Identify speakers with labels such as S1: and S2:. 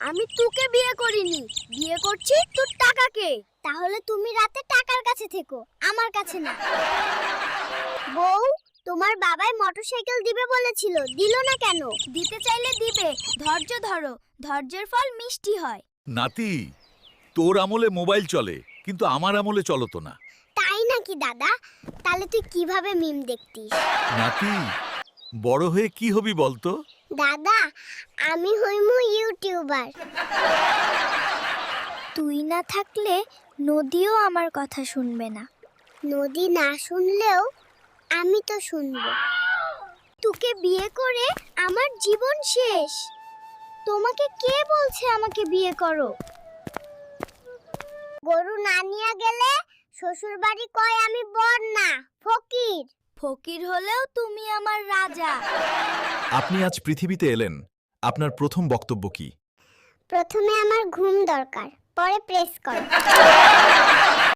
S1: আমি তোকে বিয়ে করিনি, বিয়ে করছি তোর টাকাকে। তাহলে তুমি রাতে টাকার কাছে থেকো, আমার কাছে না। বউ, তোমার বাবাই মোটরসাইকেল দিবে বলেছিল, দিল না কেন? দিতে চাইলে দিবে, ধৈর্য ধরো, ধৈর্যের ফল মিষ্টি হয়।
S2: নাতি, তোর আমলে মোবাইল চলে, কিন্তু আমার আমলে চলতো না।
S1: তাই নাকি দাদা? তাহলে তুই কিভাবে মিম দেখতিস?
S2: নাতি, বড় হয়ে কি হবি বলতো?
S1: দাদা, আমি হইমু ইউটিউবার। তুই না থাকলে নদীও আমার কথা শুনবে না। নদী না শুনলেও আমি তো শুনবো। তোকে বিয়ে করে আমার জীবন শেষ। তোমাকে কে বলছে আমাকে বিয়ে করো? গরু না নিয়ে গেলে শ্বশুর বাড়ি কয় আমি বর না, ফকির। ফকির হলেও তুমি আমার রাজা।
S3: আপনি আজ পৃথিবীতে এলেন, আপনার প্রথম বক্তব্য কি?
S1: প্রথমে আমার ঘুম দরকার, পরে প্রেস কর।